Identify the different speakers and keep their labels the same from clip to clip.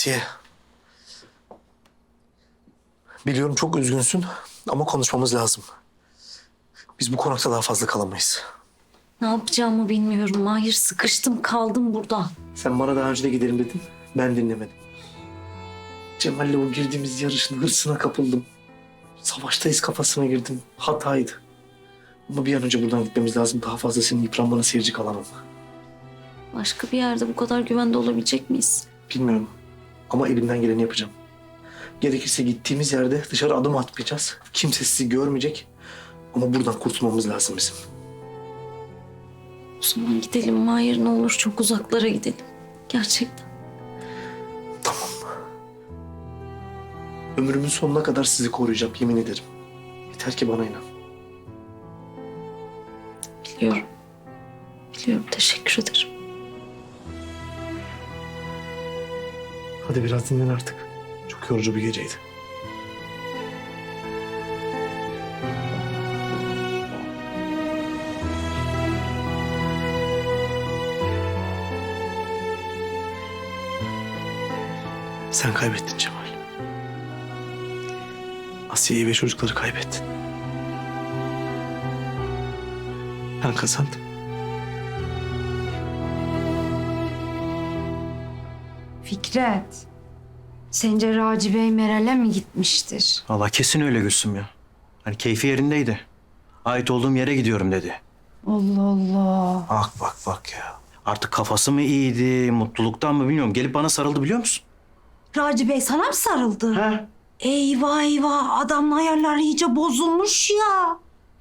Speaker 1: Asiye. Biliyorum çok üzgünsün ama konuşmamız lazım. Biz bu konakta daha fazla kalamayız.
Speaker 2: Ne yapacağımı bilmiyorum Mahir. Sıkıştım kaldım burada.
Speaker 1: Sen bana daha önce de gidelim dedin. Ben dinlemedim. Cemal'le o girdiğimiz yarışın hırsına kapıldım. Savaştayız kafasına girdim. Hataydı. Ama bir an önce buradan gitmemiz lazım. Daha fazla senin yıpranmana seyirci kalamam.
Speaker 2: Başka bir yerde bu kadar güvende olabilecek miyiz?
Speaker 1: Bilmiyorum ama elimden geleni yapacağım. Gerekirse gittiğimiz yerde dışarı adım atmayacağız. Kimse sizi görmeyecek. Ama buradan kurtulmamız lazım bizim.
Speaker 2: O zaman gidelim Mahir, ne olur çok uzaklara gidelim. Gerçekten.
Speaker 1: Tamam. Ömrümün sonuna kadar sizi koruyacağım, yemin ederim. Yeter ki bana inan.
Speaker 2: Biliyorum. Biliyorum, teşekkür ederim.
Speaker 1: Hadi biraz dinlen artık. Çok yorucu bir geceydi. Sen kaybettin Cemal. Asiye'yi ve çocukları kaybettin. Ben kazandım.
Speaker 3: Fikret, sence Raci Bey Meral'e mi gitmiştir?
Speaker 4: Vallahi kesin öyle Gülsüm ya. Hani keyfi yerindeydi. Ait olduğum yere gidiyorum dedi.
Speaker 3: Allah Allah.
Speaker 4: Bak ya. Artık kafası mı iyiydi, mutluluktan mı bilmiyorum. Gelip bana sarıldı biliyor musun?
Speaker 3: Raci Bey sana mı sarıldı?
Speaker 4: He?
Speaker 3: Eyvah eyvah, adamın ayarları iyice bozulmuş ya.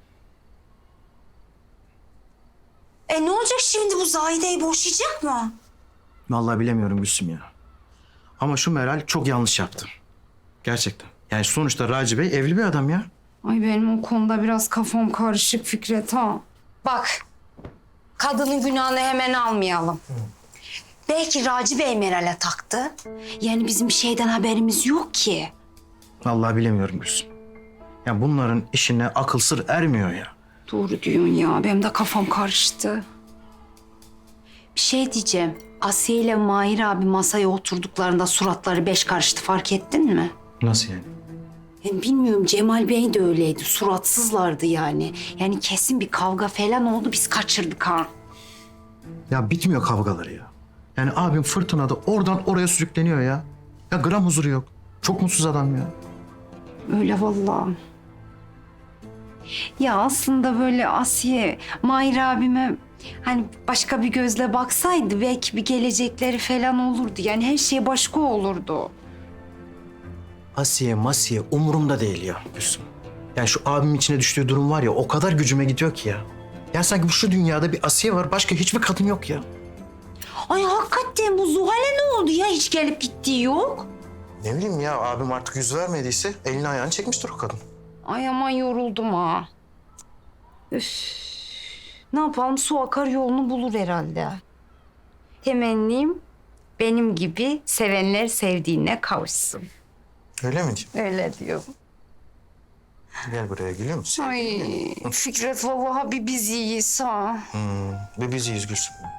Speaker 3: Ne olacak şimdi, bu Zahide'yi boşayacak mı?
Speaker 4: Vallahi bilemiyorum Gülsüm ya. Ama şu Meral çok yanlış yaptı. Gerçekten. Yani sonuçta Raci Bey evli bir adam ya.
Speaker 3: Ay benim o konuda biraz kafam karışık Fikret ha. Bak, kadının günahını hemen almayalım. Belki Raci Bey Meral'e taktı. Yani bizim bir şeyden haberimiz yok ki.
Speaker 4: Vallahi bilemiyorum Gülsüm. Ya bunların işine akıl sır ermiyor ya.
Speaker 3: Doğru diyorsun ya. Benim de kafam karıştı. Bir şey diyeceğim. Asiye ile Mahir abi masaya oturduklarında suratları beş karıştı. Fark ettin mi?
Speaker 4: Nasıl yani?
Speaker 3: Yani bilmiyorum, Cemal Bey de öyleydi. Suratsızlardı yani. Yani kesin bir kavga falan oldu. Biz kaçırdık ha.
Speaker 4: Ya bitmiyor kavgaları ya. Yani abim fırtınada oradan oraya sürükleniyor ya. Ya gram huzuru yok. Çok mutsuz adam ya.
Speaker 3: Öyle vallahi. Ya aslında böyle Asiye, Mahir abime hani başka bir gözle baksaydı belki bir gelecekleri falan olurdu. Yani her şey başka olurdu.
Speaker 4: Asiye masiye umurumda değil ya Gülsüm. Yani şu abimin içine düştüğü durum var ya o kadar gücüme gidiyor ki ya. Ya sanki şu dünyada bir Asiye var başka hiçbir kadın yok ya.
Speaker 3: Ay hakikaten bu Zuhal'e ne oldu ya? Hiç gelip gittiği yok.
Speaker 4: Ne bileyim ya abim artık yüz vermediyse elini ayağını çekmiştir o kadın.
Speaker 3: Ay aman yoruldum ha. Üf. Ne yapalım, su akar yolunu bulur herhalde. Temennim benim gibi sevenler sevdiğine kavuşsun.
Speaker 4: Öyle mi diyeyim?
Speaker 3: Öyle diyorum.
Speaker 4: Gel buraya gülüyor musun?
Speaker 3: Ay Fikret vallahi bir biz iyiyiz ha.
Speaker 4: Ve biz iyiyiz Gülsüm.